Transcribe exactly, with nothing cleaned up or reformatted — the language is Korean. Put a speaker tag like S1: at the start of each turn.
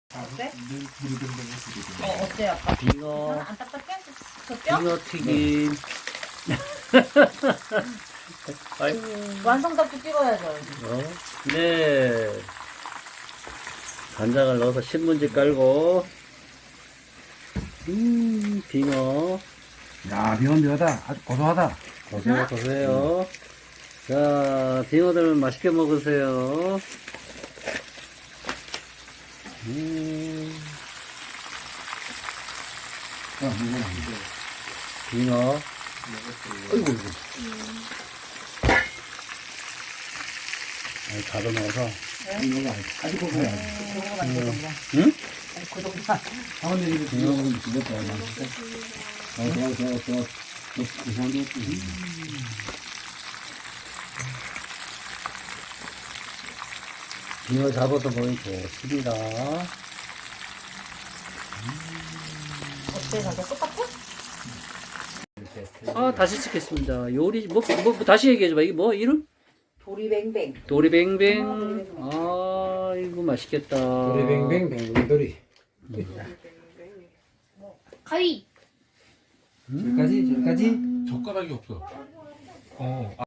S1: 어때?
S2: 물들들했을 때.
S1: 어, 어때 아빠?
S3: 빙어,
S1: 안 딱딱해? 저 뼈?
S3: 빙어 튀김. 아이고.
S1: 완성답게 찍어야죠.
S3: 어? 네. 간장을 넣어서 신문지 깔고. 음, 빙어.
S2: 야, 비건 묘하다. 아주 고소하다.
S3: 고소해, 고소해요. 자, 빙어들 맛있게 먹으세요. 음,
S2: 아, 이건 아니죠.
S3: 빙어.
S2: 아이고, 이거.
S3: 아니, 가둬 넣어서.
S2: 이건 아니죠. 아주 고소해.
S1: 그거보다 안 되구나.
S3: 응?
S1: 그 정도만.
S2: 다음에 이거 비건 먹으면 죽었다. 맛있어. 어, 좋아, 좋아, 좋아. 고소한 게 없지.
S3: 빙어 잡아서 먹으면 좋습니다.
S1: 어때? 저게 똑같아?
S3: 아, 다시 찍겠습니다. 요리, 뭐, 뭐, 뭐 다시 얘기해줘봐. 이게 뭐, 이름?
S1: 도리뱅뱅.
S3: 도리뱅뱅. 아, 이거 맛있겠다.
S2: 도리뱅뱅, 뱅뱅도리.
S1: 가위.
S2: 여기까지, 여기까지.
S4: 젓가락이 없어. 어.